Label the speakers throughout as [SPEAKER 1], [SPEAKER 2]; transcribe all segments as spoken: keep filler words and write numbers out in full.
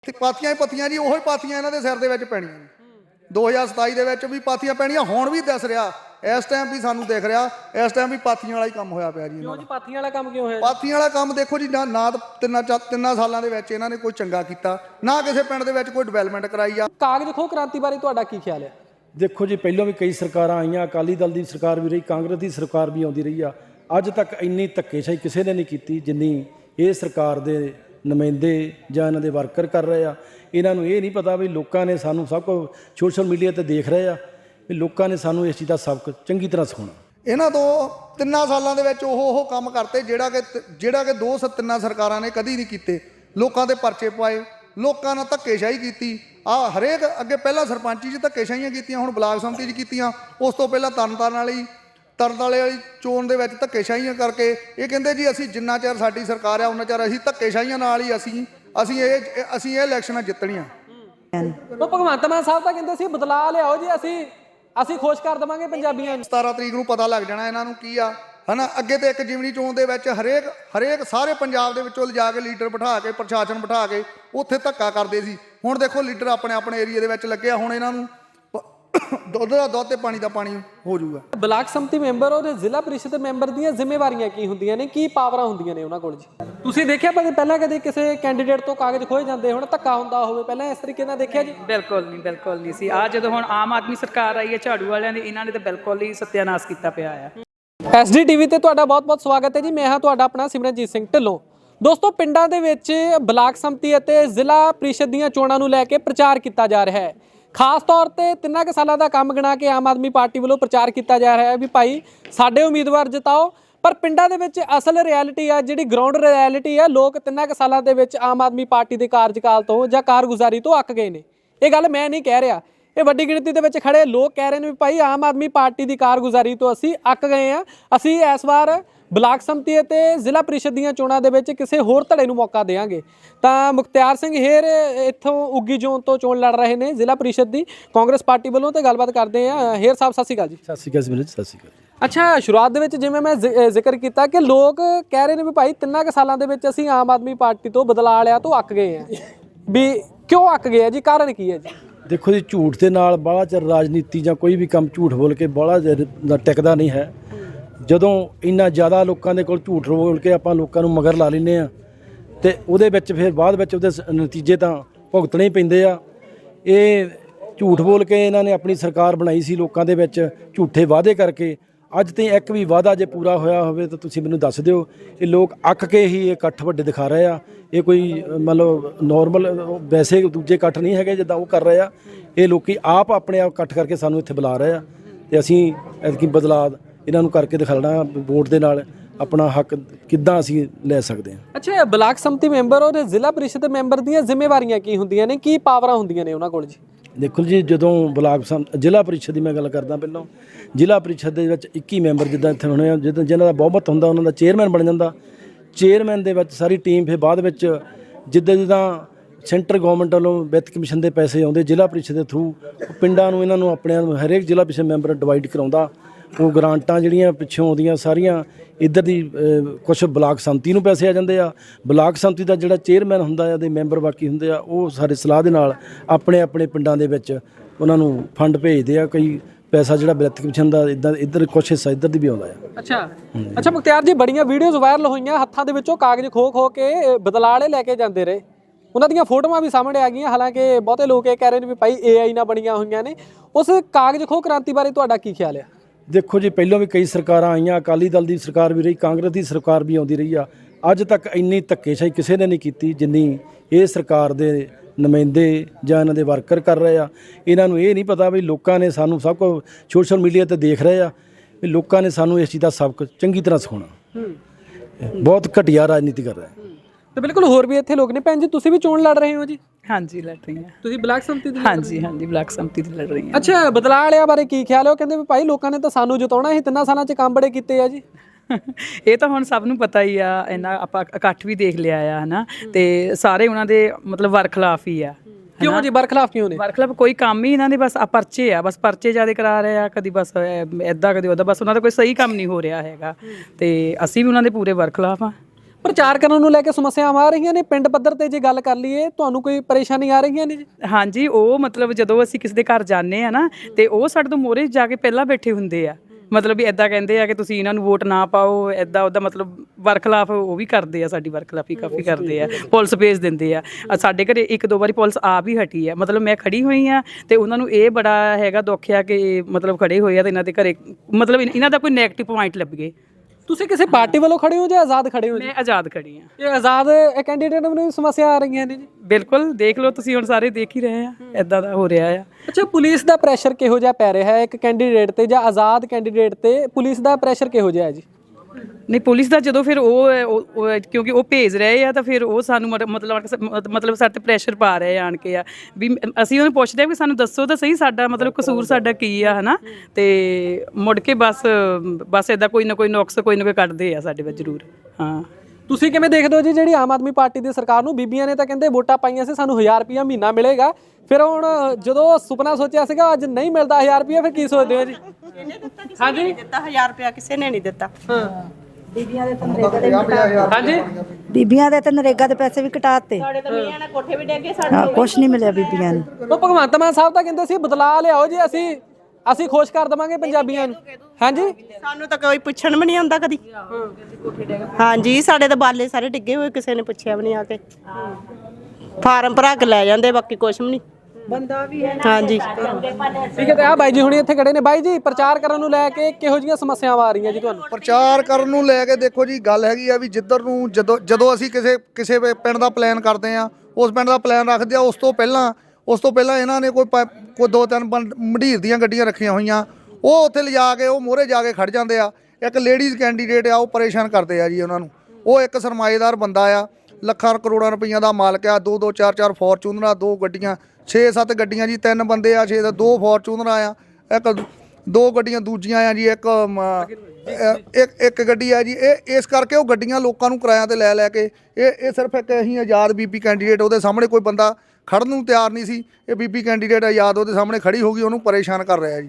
[SPEAKER 1] ਪਾਥੀਆਂ ਹੀ ਪੱਤੀਆਂ ਜੀ, ਉਹੀ ਪਾਥੀਆਂ ਇਹਨਾਂ ਦੇ ਸਿਰ ਦੇ ਵਿੱਚ ਪੈਣੀਆਂ ਨੇ। ਦੋ ਹਜ਼ਾਰ ਸਤਾਈ ਦੇ ਵਿੱਚ ਵੀ ਪਾਥੀਆਂ ਪੈਣੀਆਂ, ਹੁਣ ਵੀ ਦਿਸ ਰਿਹਾ, ਇਸ ਟਾਈਮ ਵੀ ਸਾਨੂੰ ਦਿਖ ਰਿਹਾ, ਇਸ ਟਾਈਮ ਵੀ ਪਾਥੀਆਂ ਵਾਲਾ ਹੀ ਕੰਮ ਹੋਇਆ ਪਿਆ ਜੀ।
[SPEAKER 2] ਕਿਉਂ ਜੀ ਪਾਥੀਆਂ ਵਾਲਾ ਕੰਮ ਕਿਉਂ ਹੋਇਆ?
[SPEAKER 1] ਪਾਥੀਆਂ ਵਾਲਾ ਕੰਮ ਦੇਖੋ ਜੀ, ਨਾ ਨਾ ਤਿੰਨਾਂ ਤਿੰਨਾਂ ਸਾਲਾਂ ਦੇ ਵਿੱਚ ਇਹਨਾਂ ਨੇ ਕੋਈ ਚੰਗਾ ਕੀਤਾ, ਨਾ ਕਿਸੇ ਪਿੰਡ ਦੇ ਵਿੱਚ ਕੋਈ ਡਿਵੈਲਪਮੈਂਟ ਕਰਾਈ ਆ।
[SPEAKER 2] ਕਾਗਜ਼ ਖੋਹ ਕ੍ਰਾਂਤੀ ਬਾਰੇ ਤੁਹਾਡਾ ਕੀ ਖਿਆਲ ਹੈ?
[SPEAKER 3] ਦੇਖੋ ਜੀ, ਪਹਿਲਾਂ ਵੀ ਕਈ ਸਰਕਾਰਾਂ ਆਈਆਂ, ਅਕਾਲੀ ਦਲ ਦੀ ਸਰਕਾਰ ਵੀ ਰਹੀ, ਕਾਂਗਰਸ ਦੀ ਸਰਕਾਰ ਵੀ ਆਉਂਦੀ ਰਹੀ ਆ। ਅੱਜ ਤੱਕ ਇੰਨੀ ਧੱਕੇਸ਼ਾਹੀ ਕਿਸੇ ਨੇ ਨਹੀਂ ਕੀਤੀ ਜਿੰਨੀ ਇਹ ਸਰਕਾਰ ਦੇ ਨੁਮਾਇੰਦੇ ਜਾਂ ਇਹਨਾਂ ਦੇ ਵਰਕਰ ਕਰ ਰਹੇ ਆ। ਇਹਨਾਂ ਨੂੰ ਇਹ ਨਹੀਂ ਪਤਾ ਵੀ ਲੋਕਾਂ ਨੇ ਸਾਨੂੰ ਸਭ ਕੁਝ ਸੋਸ਼ਲ ਮੀਡੀਆ ਤੇ ਦੇਖ ਰਹੇ ਆ, ਵੀ ਲੋਕਾਂ ਨੇ ਸਾਨੂੰ ਇਸ ਚੀਜ਼ ਦਾ ਸਬਕ ਚੰਗੀ ਤਰ੍ਹਾਂ ਸਿਖਾਉਣਾ।
[SPEAKER 1] ਇਹਨਾਂ ਤੋਂ ਤਿੰਨਾਂ ਸਾਲਾਂ ਦੇ ਵਿੱਚ ਉਹ ਉਹ ਕੰਮ ਕਰਤੇ ਜਿਹੜਾ ਕਿ ਜਿਹੜਾ ਕਿ ਦੋ ਤਿੰਨਾਂ ਸਰਕਾਰਾਂ ਨੇ ਕਦੀ ਨਹੀਂ ਕੀਤੇ। ਲੋਕਾਂ ਦੇ ਪਰਚੇ ਪਾਏ, ਲੋਕਾਂ ਨਾਲ ਧੱਕੇਸ਼ਾਹੀ ਕੀਤੀ। ਆ ਹਰੇਕ ਅੱਗੇ ਪਹਿਲਾਂ ਸਰਪੰਚੀ 'ਚ ਧੱਕੇਸ਼ਾਹੀਆਂ ਕੀਤੀਆਂ, ਹੁਣ ਬਲਾਕ ਸੰਮਤੀ 'ਚ ਕੀਤੀਆਂ, ਉਸ ਤੋਂ ਪਹਿਲਾਂ ਤਰਨਤਾਰਨ ਵਾਲੀ ਤਰਨਤਾਲੇ ਵਾਲੀ ਚੋਣ ਦੇ ਵਿੱਚ ਧੱਕੇਸ਼ਾਹੀਆਂ ਕਰਕੇ ਇਹ ਕਹਿੰਦੇ ਜੀ ਅਸੀਂ ਜਿੰਨਾ ਚਿਰ ਸਾਡੀ ਸਰਕਾਰ ਆ ਉਹਨਾਂ ਚਿਰ ਅਸੀਂ ਧੱਕੇਸ਼ਾਹੀਆਂ ਨਾਲ ਹੀ ਅਸੀਂ ਅਸੀਂ ਇਹ ਅਸੀਂ ਇਹ ਇਲੈਕਸ਼ਨਾਂ ਜਿੱਤਣੀਆਂ।
[SPEAKER 2] ਉਹ ਭਗਵੰਤ ਮਾਨ ਸਾਹਿਬ ਤਾਂ ਕਹਿੰਦੇ ਸੀ ਬਦਲਾਅ ਲਿਆਓ ਜੀ, ਅਸੀਂ ਅਸੀਂ ਖੁਸ਼ ਕਰ ਦੇਵਾਂਗੇ ਪੰਜਾਬੀਆਂ ਨੂੰ।
[SPEAKER 1] ਸਤਾਰਾਂ ਤਰੀਕ ਨੂੰ ਪਤਾ ਲੱਗ ਜਾਣਾ ਇਹਨਾਂ ਨੂੰ ਕੀ ਆ, ਹਨਾ। ਅੱਗੇ ਤੇ ਇੱਕ ਜਿਮਨੀ ਚੋਣ ਦੇ ਵਿੱਚ ਹਰੇਕ ਹਰੇਕ ਸਾਰੇ ਪੰਜਾਬ ਦੇ ਵਿੱਚੋਂ ਲਿਜਾ ਕੇ ਲੀਡਰ ਬਿਠਾ ਕੇ, ਪ੍ਰਸ਼ਾਸਨ ਬਿਠਾ ਕੇ ਉੱਥੇ ਧੱਕਾ ਕਰਦੇ ਸੀ। ਹੁਣ ਦੇਖੋ ਲੀਡਰ ਆਪਣੇ ਆਪਣੇ ਏਰੀਏ ਦੇ ਵਿੱਚ ਲੱਗਿਆ, ਹੁਣ ਇਹਨਾਂ ਨੂੰ ਦੁੱਧ ਦਾ ਦੁੱਧ ਤੇ ਪਾਣੀ ਦਾ ਪਾਣੀ ਹੋ ਜਾਊਗਾ।
[SPEAKER 2] ਬਲਾਕ ਸੰਮਤੀ ਮੈਂਬਰ ਔਰ ਜ਼ਿਲ੍ਹਾ ਪ੍ਰੀਸ਼ਦ ਮੈਂਬਰ ਦੀਆਂ ਜ਼ਿੰਮੇਵਾਰੀਆਂ ਕੀ ਹੁੰਦੀਆਂ ਨੇ, ਕੀ ਪਾਵਰਾਂ ਹੁੰਦੀਆਂ ਨੇ ਉਹਨਾਂ ਕੋਲ ਜੀ? ਤੁਸੀਂ ਦੇਖਿਆ ਪਹਿਲਾਂ ਕਦੇ ਕਿਸੇ ਕੈਂਡੀਡੇਟ ਤੋਂ ਕਾਗਜ਼ ਖੋਏ ਜਾਂਦੇ ਹੁਣ ਧੱਕਾ ਹੁੰਦਾ ਹੋਵੇ, ਪਹਿਲਾਂ ਇਸ ਤਰੀਕੇ ਨਾਲ ਦੇਖਿਆ ਜੀ?
[SPEAKER 4] ਬਿਲਕੁਲ ਨਹੀਂ, ਬਿਲਕੁਲ ਨਹੀਂ ਸੀ। ਆ ਜਦੋਂ ਹੁਣ ਆਮ ਆਦਮੀ ਸਰਕਾਰ ਆਈ ਹੈ ਝਾੜੂ ਵਾਲਿਆਂ ਦੀ, ਇਹਨਾਂ ਨੇ ਤਾਂ ਬਿਲਕੁਲ ਹੀ ਸੱਤਿਆਨਾਸ਼ ਕੀਤਾ ਪਿਆ ਆ।
[SPEAKER 2] ਐਸ ਡੀ ਟੀ ਵੀ ਤੇ ਤੁਹਾਡਾ ਬਹੁਤ-ਬਹੁਤ ਸਵਾਗਤ ਹੈ ਜੀ। ਮੈਂ ਹਾਂ ਤੁਹਾਡਾ ਆਪਣਾ ਸਿਮਰਨਜੀਤ ਸਿੰਘ ਢਿੱਲੋਂ। ਦੋਸਤੋ, ਪਿੰਡਾਂ ਦੇ ਵਿੱਚ ਬਲਾਕ ਸੰਮਤੀ ਅਤੇ ਜ਼ਿਲ੍ਹਾ ਪ੍ਰੀਸ਼ਦ ਦੀਆਂ ਚੋਣਾਂ ਨੂੰ ਲੈ ਕੇ ਪ੍ਰਚਾਰ ਕੀਤਾ ਜਾ ਰਿਹਾ ਹੈ। ਖਾਸ ਤੌਰ ਤੇ ਤਿੰਨਾਂ ਕੁ ਸਾਲਾਂ ਦਾ ਕੰਮ ਗਿਣਾ ਕੇ ਆਮ ਆਦਮੀ ਪਾਰਟੀ ਵੱਲੋਂ ਪ੍ਰਚਾਰ ਕੀਤਾ ਜਾ ਰਿਹਾ ਹੈ ਵੀ ਭਾਈ ਸਾਡੇ ਉਮੀਦਵਾਰ ਜਿਤਾਓ। ਪਰ ਪਿੰਡਾਂ ਦੇ ਵਿੱਚ ਅਸਲ ਰਿਐਲਿਟੀ ਆ, ਜਿਹੜੀ ਗਰਾਊਂਡ ਰਿਐਲਿਟੀ ਆ, ਲੋਕ ਤਿੰਨਾਂ ਕੁ ਸਾਲਾਂ ਦੇ ਵਿੱਚ ਆਮ ਆਦਮੀ ਪਾਰਟੀ ਦੇ ਕਾਰਜਕਾਲ ਤੋਂ ਜਾਂ ਕਾਰਗੁਜ਼ਾਰੀ ਤੋਂ ਅੱਕ ਗਏ ਨੇ। ਇਹ ਗੱਲ ਮੈਂ ਨਹੀਂ ਕਹਿ ਰਿਹਾ, ਇਹ ਵੱਡੀ ਗਿਣਤੀ ਦੇ ਵਿੱਚ ਖੜੇ ਲੋਕ ਕਹਿ ਰਹੇ ਨੇ ਵੀ ਭਾਈ ਆਮ ਆਦਮੀ ਪਾਰਟੀ ਦੀ ਕਾਰਗੁਜ਼ਾਰੀ ਤੋਂ ਅਸੀਂ ਅੱਕ ਗਏ ਆ, ਅਸੀਂ ਇਸ ਵਾਰ ਬਲਾਕ ਸੰਮਤੀ ਅਤੇ ਜ਼ਿਲ੍ਹਾ ਪ੍ਰੀਸ਼ਦ ਦੀਆਂ ਚੋਣਾਂ ਦੇ ਵਿੱਚ ਕਿਸੇ ਹੋਰ ਧੜੇ ਨੂੰ ਮੌਕਾ ਦੇਵਾਂਗੇ। ਤਾਂ ਮੁਖਤਿਆਰ ਸਿੰਘ ਹੇਰ ਇੱਥੋਂ ਉੱਗੀ ਜ਼ੋਨ ਤੋਂ ਚੋਣ ਲੜ ਰਹੇ ਨੇ ਜ਼ਿਲ੍ਹਾ ਪ੍ਰੀਸ਼ਦ ਦੀ ਕਾਂਗਰਸ ਪਾਰਟੀ ਵੱਲੋਂ, ਤੇ ਗੱਲਬਾਤ ਕਰਦੇ ਆ। ਹੇਰ ਸਾਹਿਬ ਸਤਿ ਸ਼੍ਰੀ ਅਕਾਲ ਜੀ।
[SPEAKER 3] ਸਤਿ ਸ਼੍ਰੀ ਅਕਾਲ ਜੀ। ਸਤਿ ਸ਼੍ਰੀ ਅਕਾਲ।
[SPEAKER 2] ਅੱਛਾ, ਸ਼ੁਰੂਆਤ ਦੇ ਵਿੱਚ ਜਿਵੇਂ ਮੈਂ ਜ਼ਿਕਰ ਕੀਤਾ ਕਿ ਲੋਕ ਕਹਿ ਰਹੇ ਨੇ ਵੀ ਭਾਈ ਤਿੰਨਾਂ ਕੁ ਸਾਲਾਂ ਦੇ ਵਿੱਚ ਅਸੀਂ ਆਮ ਆਦਮੀ ਪਾਰਟੀ ਤੋਂ ਬਦਲਾ ਲਿਆ ਤੋਂ ਅੱਕ ਗਏ ਆ, ਵੀ ਕਿਉਂ ਅੱਕ ਗਏ ਆ ਜੀ? ਕਾਰਨ ਕੀ ਹੈ ਜੀ?
[SPEAKER 3] ਦੇਖੋ ਜੀ, ਝੂਠ ਦੇ ਨਾਲ ਬਾਹਲਾ ਚਿਰ ਰਾਜਨੀਤੀ ਜਾਂ ਕੋਈ ਵੀ ਕੰਮ ਝੂਠ ਬੋਲ ਕੇ ਬਾਹਲਾ ਚਿਰ ਟਿਕਦਾ ਨਹੀਂ ਹੈ। ਜਦੋਂ ਇੰਨਾ ਜ਼ਿਆਦਾ ਲੋਕਾਂ ਦੇ ਕੋਲ ਝੂਠ ਬੋਲ ਕੇ ਆਪਾਂ ਲੋਕਾਂ ਨੂੰ ਮਗਰ ਲਾ ਲੈਂਦੇ ਆ ਤੇ ਉਹਦੇ ਵਿੱਚ ਫਿਰ ਬਾਅਦ ਵਿੱਚ ਉਹਦੇ ਨਤੀਜੇ ਤਾਂ ਭੁਗਤਣੇ ਹੀ ਪੈਂਦੇ ਆ। ਇਹ ਝੂਠ ਬੋਲ ਕੇ ਇਹਨਾਂ ਨੇ ਆਪਣੀ ਸਰਕਾਰ ਬਣਾਈ ਸੀ, ਲੋਕਾਂ ਦੇ ਵਿੱਚ ਝੂਠੇ ਵਾਅਦੇ ਕਰਕੇ। ਅੱਜ ਤੇ ਇੱਕ ਵੀ ਵਾਅਦਾ ਜੇ ਪੂਰਾ ਹੋਇਆ ਹੋਵੇ ਤਾਂ ਤੁਸੀਂ ਮੈਨੂੰ ਦੱਸ ਦਿਓ। ਇਹ ਲੋਕ ਅੱਕ ਕੇ ਹੀ ਇਹ ਇਕੱਠ ਵੱਡੇ ਦਿਖਾ ਰਹੇ ਆ। ਇਹ ਕੋਈ ਮਤਲਬ ਨੋਰਮਲ ਵੈਸੇ ਦੂਜੇ ਇਕੱਠ ਨਹੀਂ ਹੈਗੇ ਜਿੱਦਾਂ ਉਹ ਕਰ ਰਹੇ ਆ। ਇਹ ਲੋਕੀ ਆਪ ਆਪਣੇ ਆਪ ਇਕੱਠ ਕਰਕੇ ਸਾਨੂੰ ਇੱਥੇ ਬੁਲਾ ਰਹੇ ਆ ਤੇ ਅਸੀਂ ਐਤਕੀ ਬਦਲਾਅ ਇਹਨਾਂ ਨੂੰ ਕਰਕੇ ਦਿਖਾਉਣਾ, ਵੋਟ ਦੇ ਨਾਲ ਆਪਣਾ ਹੱਕ ਕਿੱਦਾਂ ਅਸੀਂ ਲੈ ਸਕਦੇ ਹਾਂ।
[SPEAKER 2] ਅੱਛਾ, ਬਲਾਕ ਸੰਮਤੀ ਮੈਂਬਰ ਔਰ ਜ਼ਿਲ੍ਹਾ ਪ੍ਰੀਸ਼ਦ ਮੈਂਬਰ ਦੀਆਂ ਜ਼ਿੰਮੇਵਾਰੀਆਂ ਕੀ ਹੁੰਦੀਆਂ ਨੇ, ਕੀ ਪਾਵਰਾਂ ਹੁੰਦੀਆਂ ਨੇ ਉਹਨਾਂ ਕੋਲ ਜੀ?
[SPEAKER 3] ਦੇਖੋ ਜੀ, ਜਦੋਂ ਬਲਾਕ ਸਮ ਜ਼ਿਲ੍ਹਾ ਪ੍ਰੀਸ਼ਦ ਦੀ ਮੈਂ ਗੱਲ ਕਰਦਾ, ਪਹਿਲਾਂ ਜ਼ਿਲ੍ਹਾ ਪ੍ਰੀਸ਼ਦ ਦੇ ਵਿੱਚ ਇੱਕੀ ਮੈਂਬਰ ਜਿੱਦਾਂ ਇੱਥੇ ਹੋਣੇ ਆ, ਜਿੱਦਾਂ ਜਿਹਨਾਂ ਦਾ ਬਹੁਮਤ ਹੁੰਦਾ ਉਹਨਾਂ ਦਾ ਚੇਅਰਮੈਨ ਬਣ ਜਾਂਦਾ। ਚੇਅਰਮੈਨ ਦੇ ਵਿੱਚ ਸਾਰੀ ਟੀਮ, ਫਿਰ ਬਾਅਦ ਵਿੱਚ ਜਿੱਦਾਂ ਜਿੱਦਾਂ ਸੈਂਟਰ ਗੌਰਮੈਂਟ ਵੱਲੋਂ ਵਿੱਤ ਕਮਿਸ਼ਨ ਦੇ ਪੈਸੇ ਆਉਂਦੇ ਜ਼ਿਲ੍ਹਾ ਪ੍ਰੀਸ਼ਦ ਦੇ ਥਰੂ, ਪਿੰਡਾਂ ਨੂੰ ਇਹਨਾਂ ਨੂੰ ਆਪਣਿਆਂ ਨੂੰ ਹਰੇਕ ਜ਼ਿਲ੍ਹਾ ਪ੍ਰੀਸ਼ਦ ਮੈਂਬਰ ਡਿਵਾਈਡ ਕਰਾਉਂਦਾ। ਉਹ ਗਰਾਂਟਾਂ ਜਿਹੜੀਆਂ ਪਿੱਛੋਂ ਆਉਂਦੀਆਂ ਸਾਰੀਆਂ ਇੱਧਰ ਦੀ ਕੁਛ ਬਲਾਕ ਸੰਮਤੀ ਨੂੰ ਪੈਸੇ ਆ ਜਾਂਦੇ ਆ। ਬਲਾਕ ਸੰਮਤੀ ਦਾ ਜਿਹੜਾ ਚੇਅਰਮੈਨ ਹੁੰਦਾ ਆ, ਦੇ ਮੈਂਬਰ ਬਾਕੀ ਹੁੰਦੇ ਆ, ਉਹ ਸਾਰੇ ਸਲਾਹ ਦੇ ਨਾਲ ਆਪਣੇ ਆਪਣੇ ਪਿੰਡਾਂ ਦੇ ਵਿੱਚ ਉਹਨਾਂ ਨੂੰ ਫੰਡ ਭੇਜਦੇ ਆ। ਕਈ ਪੈਸਾ ਜਿਹੜਾ ਵਿੱਤ ਕਮਿਸ਼ਨ ਦਾ ਇੱਦਾਂ ਇੱਧਰ ਕੁਛ ਹਿੱਸਾ ਇੱਧਰ ਦੀ ਵੀ ਆਉਂਦਾ ਆ।
[SPEAKER 2] ਅੱਛਾ ਅੱਛਾ ਮੁਖਤਿਆਰ ਜੀ, ਬੜੀਆਂ ਵੀਡੀਓਜ਼ ਵਾਇਰਲ ਹੋਈਆਂ, ਹੱਥਾਂ ਦੇ ਵਿੱਚੋਂ ਕਾਗਜ਼ ਖੋ ਖੋ ਕੇ ਬਦਲਾਲੇ ਲੈ ਕੇ ਜਾਂਦੇ ਰਹੇ, ਉਹਨਾਂ ਦੀਆਂ ਫੋਟੋਆਂ ਵੀ ਸਾਹਮਣੇ ਆ ਗਈਆਂ। ਹਾਲਾਂਕਿ ਬਹੁਤੇ ਲੋਕ ਇਹ ਕਹਿ ਰਹੇ ਨੇ ਵੀ ਭਾਈ ਏ ਆਈ ਨਾਲ ਬਣੀਆਂ ਹੋਈਆਂ ਨੇ। ਉਸ ਕਾਗਜ਼ ਖੋਹ ਕ੍ਰਾਂਤੀ ਬਾਰੇ ਤੁਹਾਡਾ ਕੀ ਖਿਆਲ ਹੈ?
[SPEAKER 3] ਦੇਖੋ ਜੀ, ਪਹਿਲਾਂ ਵੀ ਕਈ ਸਰਕਾਰਾਂ ਆਈਆਂ, ਅਕਾਲੀ ਦਲ ਦੀ ਸਰਕਾਰ ਵੀ ਰਹੀ, ਕਾਂਗਰਸ ਦੀ ਸਰਕਾਰ ਵੀ ਆਉਂਦੀ ਰਹੀ ਆ। ਅੱਜ ਤੱਕ ਇੰਨੀ ਧੱਕੇਸ਼ਾਹੀ ਕਿਸੇ ਨੇ ਨਹੀਂ ਕੀਤੀ ਜਿੰਨੀ ਇਹ ਸਰਕਾਰ ਦੇ ਨੁਮਾਇੰਦੇ ਜਾਂ ਇਹਨਾਂ ਦੇ ਵਰਕਰ ਕਰ ਰਹੇ ਆ। ਇਹਨਾਂ ਨੂੰ ਇਹ ਨਹੀਂ ਪਤਾ ਵੀ ਲੋਕਾਂ ਨੇ ਸਾਨੂੰ ਸਭ ਕੁਝ ਸੋਸ਼ਲ ਮੀਡੀਆ ਤੇ ਦੇਖ ਰਹੇ ਆ, ਵੀ ਲੋਕਾਂ ਨੇ ਸਾਨੂੰ ਇਸ ਚੀਜ਼ ਦਾ ਸਬਕ ਚੰਗੀ ਤਰ੍ਹਾਂ ਸਿਖਾਉਣਾ। ਬਹੁਤ ਘਟੀਆ ਰਾਜਨੀਤੀ ਕਰ ਰਹੇ
[SPEAKER 2] ਤੇ ਬਿਲਕੁਲ ਹੋਰ ਵੀ ਇੱਥੇ ਲੋਕ ਨੇ। ਭੈਣ ਜੀ, ਤੁਸੀਂ ਵੀ ਚੋਣ ਲੜ ਰਹੇ ਹੋ ਜੀ?
[SPEAKER 4] ਹਾਂਜੀ, ਲੜ ਰਹੀ ਹਾਂ।
[SPEAKER 2] ਤੁਸੀਂ ਬਲਾਕ ਸੰਮਤੀ ਦੀ?
[SPEAKER 4] ਹਾਂਜੀ ਹਾਂਜੀ, ਬਲਾਕ ਸੰਮਤੀ ਦੀ ਲੜ ਰਹੀ ਹਾਂ।
[SPEAKER 2] ਅੱਛਾ, ਬਦਲਾਅ ਵਾਲਿਆਂ ਬਾਰੇ ਕੀ ਖਿਆਲ ਹੈ? ਉਹ ਕਹਿੰਦੇ ਵੀ ਭਾਈ ਲੋਕਾਂ ਨੇ ਤਾਂ ਸਾਨੂੰ ਜਿਤਾਉਣਾ ਸੀ, ਤਿੰਨਾਂ ਸਾਲਾਂ 'ਚ ਕੰਮ ਬੜੇ ਕੀਤੇ ਆ ਜੀ।
[SPEAKER 4] ਇਹ ਤਾਂ ਹੁਣ ਸਭ ਨੂੰ ਪਤਾ ਹੀ ਆ, ਇੰਨਾ ਆਪਾਂ ਇਕੱਠ ਵੀ ਦੇਖ ਲਿਆ ਆ, ਹੈ ਨਾ। ਤੇ ਸਾਰੇ ਉਹਨਾਂ ਦੇ ਮਤਲਬ ਵਰਖਲਾਫ ਹੀ ਆ।
[SPEAKER 2] ਕਿਉਂ ਜੀ? ਵਰਖਲਾਫ ਕਿਉਂ ਨੇ?
[SPEAKER 4] ਵਰਖਲਾਫ ਕੋਈ ਕੰਮ ਹੀ ਇਹਨਾਂ ਦੇ ਬਸ ਆ ਪਰਚੇ ਆ, ਬਸ ਪਰਚੇ ਜ਼ਿਆਦਾ ਕਰਾ ਰਹੇ ਆ, ਕਦੀ ਬਸ ਇੱਦਾਂ ਕਦੀ ਉੱਦਾਂ, ਬਸ ਉਹਨਾਂ ਦਾ ਕੋਈ ਸਹੀ ਕੰਮ ਨਹੀਂ ਹੋ ਰਿਹਾ ਹੈਗਾ। ਤੇ ਅਸੀਂ ਵੀ ਉਹਨਾਂ ਦੇ ਪੂਰੇ ਵਰਖਲਾਫ ਆ।
[SPEAKER 2] ਪ੍ਰਚਾਰ ਕਰਨ ਨੂੰ ਲੈ ਕੇ ਸਮੱਸਿਆਵਾਂ ਆ ਰਹੀਆਂ ਨੇ ਪਿੰਡ ਪੱਧਰ ਤੇ ਜੇ ਗੱਲ ਕਰ ਲਈਏ ਤੁਹਾਨੂੰ ਕੋਈ ਪਰੇਸ਼ਾਨੀ ਆ ਰਹੀਆਂ ਨੇ ਜੀ?
[SPEAKER 4] ਹਾਂਜੀ, ਉਹ ਮਤਲਬ ਜਦੋਂ ਅਸੀਂ ਕਿਸੇ ਦੇ ਘਰ ਜਾਂਦੇ ਆ ਨਾ ਤੇ ਉਹ ਸਾਡੇ ਤੋਂ ਮੋਹਰੇ ਜਾ ਕੇ ਪਹਿਲਾਂ ਬੈਠੇ ਹੁੰਦੇ ਆ, ਮਤਲਬ ਵੀ ਇਦਾਂ ਕਹਿੰਦੇ ਆ ਕਿ ਤੁਸੀਂ ਇਹਨਾਂ ਨੂੰ ਵੋਟ ਨਾ ਪਾਓ, ਇਦਾਂ ਉਹਦਾ ਮਤਲਬ ਵਰਖਲਾਫ ਉਹ ਵੀ ਕਰਦੇ ਆ, ਸਾਡੀ ਵਰਖਲਾਫੀ ਕਾਫੀ ਕਰਦੇ ਆ, ਪੁਲਿਸ ਭੇਜ ਦਿੰਦੇ ਆ। ਅ ਸਾਡੇ ਘਰੇ ਇੱਕ ਦੋ ਵਾਰੀ ਪੁਲਿਸ ਆ ਵੀ ਹਟੀ ਆ, ਮਤਲਬ ਮੈਂ ਖੜੀ ਹੋਈ ਆ ਤੇ ਉਹਨਾਂ ਨੂੰ ਇਹ ਬੜਾ ਹੈਗਾ ਦੁੱਖ ਆ ਕਿ ਮਤਲਬ ਖੜੇ ਹੋਏ ਆ ਤੇ ਇਹਨਾਂ ਦੇ ਘਰੇ ਮਤਲਬ ਇਹਨਾਂ ਦਾ ਕੋਈ ਨੈਗੇਟਿਵ ਪੁਆਇੰਟ ਲੱਭ ਗਏ।
[SPEAKER 2] ਤੁਸੀਂ ਕਿਸੇ ਪਾਰਟੀ ਵੱਲੋਂ ਖੜੇ ਹੋ ਜਾਂ ਆਜ਼ਾਦ ਖੜੇ ਹੋ ਜੀ?
[SPEAKER 4] ਮੈਂ ਆਜ਼ਾਦ ਖੜੀ ਆ।
[SPEAKER 2] ਇਹ ਆਜ਼ਾਦ ਕੈਂਡੀਡੇਟ ਨੂੰ ਵੀ ਸਮੱਸਿਆ ਆ ਰਹੀਆਂ ਨੇ ਜੀ?
[SPEAKER 4] ਬਿਲਕੁਲ, ਦੇਖ ਲਓ ਤੁਸੀਂ, ਹੁਣ ਸਾਰੇ ਦੇਖ ਹੀ ਰਹੇ ਆ ਇਦਾਂ ਦਾ ਹੋ ਰਿਹਾ ਆ।
[SPEAKER 2] ਅੱਛਾ, ਪੁਲਿਸ ਦਾ ਪ੍ਰੈਸ਼ਰ ਕਿਹੋ ਜਿਹਾ ਪੈ ਰਿਹਾ ਹੈ ਇੱਕ ਕੈਂਡੀਡੇਟ ਤੇ ਜਾਂ ਆਜ਼ਾਦ ਕੈਂਡੀਡੇਟ ਤੇ ਪੁਲਿਸ ਦਾ ਪ੍ਰੈਸ਼ਰ ਕਿਹੋ ਜਿਹਾ ਹੈ ਜੀ?
[SPEAKER 4] ਨਹੀਂ, ਪੁਲਿਸ ਦਾ ਜਦੋਂ ਫਿਰ ਉਹ ਉਹ- ਉਹ- ਕਿਉਂਕਿ ਉਹ ਭੇਜ ਰਹੇ ਆ ਤਾਂ ਫਿਰ ਉਹ ਸਾਨੂੰ ਮਤ- ਮਤਲਬ ਮਤਲਬ ਸਾਡੇ ਤੇ ਪ੍ਰੈਸ਼ਰ ਪਾ ਰਹੇ ਆਣ ਕੇ ਆ ਵੀ ਅਸੀਂ ਉਹਨੂੰ ਪੁੱਛਦੇ ਆ ਵੀ ਸਾਨੂੰ ਦੱਸੋ ਤਾਂ ਸਹੀ ਸਾਡਾ ਮਤਲਬ ਕਸੂਰ ਸਾਡਾ ਕੀ ਆ, ਹਨਾ, ਤੇ ਮੁੜ ਕੇ ਬਸ ਬਸ ਇਦਾਂ ਕੋਈ ਨਾ ਕੋਈ ਨੁਕਸ ਕੋਈ ਨਾ ਕੋਈ ਕੱਢਦੇ ਆ ਸਾਡੇ ਵਿੱਚ ਜ਼ਰੂਰ। ਹਾਂ,
[SPEAKER 2] ਤੁਸੀਂ ਕਿਵੇਂ ਦੇਖਦੇ ਹੋ ਜੀ ਜਿਹੜੀ ਆਮ ਆਦਮੀ ਪਾਰਟੀ ਦੀ ਸਰਕਾਰ ਨੂੰ? ਬੀਬੀਆਂ ਨੇ ਤਾਂ ਕਹਿੰਦੇ ਵੋਟਾਂ ਪਾਈਆਂ ਸੀ ਸਾਨੂੰ ਹਜ਼ਾਰ ਰੁਪਇਆ ਮਹੀਨਾ ਮਿਲੇਗਾ, ਫਿਰ ਹੁਣ ਜਦੋਂ ਸੁਪਨਾ ਸੋਚਿਆ ਸੀਗਾ ਅੱਜ ਨਹੀਂ ਮਿਲਦਾ ਹਜ਼ਾਰ ਰੁਪਇਆ, ਫਿਰ ਕੀ ਸੋਚਦੇ ਹੋ ਜੀ?
[SPEAKER 5] ਹਾਂਜੀ, ਦਿੱਤਾ ਹਜ਼ਾਰ ਰੁਪਇਆ ਕਿਸੇ ਨੇ ਨਹੀਂ ਦਿੱਤਾ।
[SPEAKER 2] ਹਾਂ,
[SPEAKER 5] ਬੀਬੀਆਂ ਦੇ ਤਾਂ ਨਰੇਗਾ ਦੇ ਵੀ
[SPEAKER 2] ਹਾਂਜੀ,
[SPEAKER 5] ਬੀਬੀਆਂ ਦੇ ਤਾਂ ਨਰੇਗਾ ਦੇ ਪੈਸੇ ਵੀ ਕਟਾਤੇ।
[SPEAKER 6] ਸਾਡੇ ਤਾਂ ਮੀਆਂ ਨਾਲ ਕੋਠੇ ਵੀ ਡੇਗੇ ਸਾਡੇ
[SPEAKER 5] ਹਾਂ, ਕੁਛ ਨਹੀਂ ਮਿਲਿਆ ਬੀਬੀਆਂ ਨੂੰ।
[SPEAKER 2] ਉਹ ਭਗਵੰਤ ਮਾਨ ਸਾਹਿਬ ਤਾਂ ਕਹਿੰਦੇ ਸੀ ਬਦਲਾਅ ਲਿਆਓ ਜੀ, ਅਸੀਂ ਅਸੀਂ ਖੁਸ਼ ਕਰ ਦੇਵਾਂਗੇ ਪੰਜਾਬੀਆਂ ਨੂੰ। ਹਾਂਜੀ,
[SPEAKER 6] ਸਾਨੂੰ ਤਾਂ ਕੋਈ ਪੁੱਛਣ ਵੀ ਨਹੀਂ ਆਉਂਦਾ ਕਦੀ। ਹਾਂਜੀ, ਸਾਡੇ ਤਾਂ ਬਾਲੇ ਸਾਰੇ ਡਿੱਗੇ ਹੋਏ, ਕਿਸੇ ਨੇ ਪੁੱਛਿਆ ਵੀ ਨਹੀਂ ਆ ਕੇ। ਫਾਰਮ ਭਰਾ ਕੇ ਲੈ ਜਾਂਦੇ, ਬਾਕੀ ਕੁਛ ਵੀ ਨਹੀਂ। ਬੰਦਾ ਵੀ ਹੈ। ਹਾਂਜੀ,
[SPEAKER 2] ਠੀਕ ਹੈ। ਤੇ ਆ ਬਾਈ ਜੀ ਹੁਣੀ ਇੱਥੇ ਖੜੇ ਨੇ। ਬਾਈ ਜੀ, ਪ੍ਰਚਾਰ ਕਰਨ ਨੂੰ ਲੈ ਕੇ ਕਿਹੋ ਜਿਹੀਆਂ ਸਮੱਸਿਆਵਾਂ ਆ ਰਹੀਆਂ ਜੀ ਤੁਹਾਨੂੰ?
[SPEAKER 1] ਪ੍ਰਚਾਰ ਕਰਨ ਨੂੰ ਲੈ ਕੇ ਦੇਖੋ ਜੀ, ਗੱਲ ਹੈਗੀ ਆ ਵੀ ਜਿੱਧਰ ਨੂੰ ਜਦੋਂ ਜਦੋਂ ਅਸੀਂ ਕਿਸੇ ਕਿਸੇ ਪਿੰਡ ਦਾ ਪਲਾਨ ਕਰਦੇ ਆ, ਉਸ ਪਿੰਡ ਦਾ ਪਲਾਨ ਰੱਖਦੇ ਆ, ਉਸ ਤੋਂ ਪਹਿਲਾਂ ਉਸ ਤੋਂ ਪਹਿਲਾਂ ਇਹਨਾਂ ਨੇ ਕੋਈ ਪ- ਕੋਈ ਦੋ ਤਿੰਨ ਬੰ- ਮੰਡੀਰ ਦੀਆਂ ਗੱਡੀਆਂ ਰੱਖੀਆਂ ਹੋਈਆਂ, ਉਹ ਉੱਥੇ ਲਿਜਾ ਕੇ ਉਹ ਮੋਹਰੇ ਜਾ ਕੇ ਖੜ ਜਾਂਦੇ ਆ। ਇੱਕ ਲੇਡੀਜ਼ ਕੈਂਡੀਡੇਟ ਆ, ਉਹ ਪਰੇਸ਼ਾਨ ਕਰਦੇ ਆ ਜੀ ਉਹਨਾਂ ਨੂੰ। ਉਹ ਇੱਕ ਸਰਮਾਏਦਾਰ ਬੰਦਾ ਆ, ਲੱਖਾਂ ਕਰੋੜਾਂ ਰੁਪਈਆਂ ਦਾ ਮਾਲਕ ਆ, ਦੋ ਦੋ ਚਾਰ ਚਾਰ ਫੋਰਚੂਨਰਾਂ, ਦੋ ਗੱਡੀਆਂ, ਛੇ ਸੱਤ ਗੱਡੀਆਂ ਜੀ, ਤਿੰਨ ਬੰਦੇ ਆ, ਛੇ ਦਾ ਦੋ ਫੋਰਚੂਨਰਾਂ ਆ, ਇੱਕ ਦੋ ਗੱਡੀਆਂ ਦੂਜੀਆਂ ਆ ਜੀ, ਇੱਕ ਮ, ਅ, ਇੱਕ ਇੱਕ ਗੱਡੀ ਆ ਜੀ। ਇਹ ਇਸ ਕਰਕੇ ਉਹ ਗੱਡੀਆਂ ਲੋਕਾਂ ਨੂੰ ਕਿਰਾਇਆ ਤੇ ਲੈ ਲੈ ਕੇ ਇਹ ਇਹ ਸਿਰਫ ਇੱਕ ਅਸੀਂ ਆਜ਼ਾਦ ਬੀਬੀ ਕੈਂਡੀਡੇਟ, ਉਹਦੇ ਸਾਹਮਣੇ ਕੋਈ ਬੰਦਾ ਖੜਨ ਨੂੰ ਤਿਆਰ ਨਹੀਂ ਸੀ। ਇਹ ਬੀਬੀ ਕੈਂਡੀਡੇਟ ਆਜ਼ਾਦ ਉਹਦੇ ਸਾਹਮਣੇ ਖੜੀ ਹੋ ਗਈ, ਉਹਨੂੰ ਪਰੇਸ਼ਾਨ ਕਰ ਰਿਹਾ ਜੀ।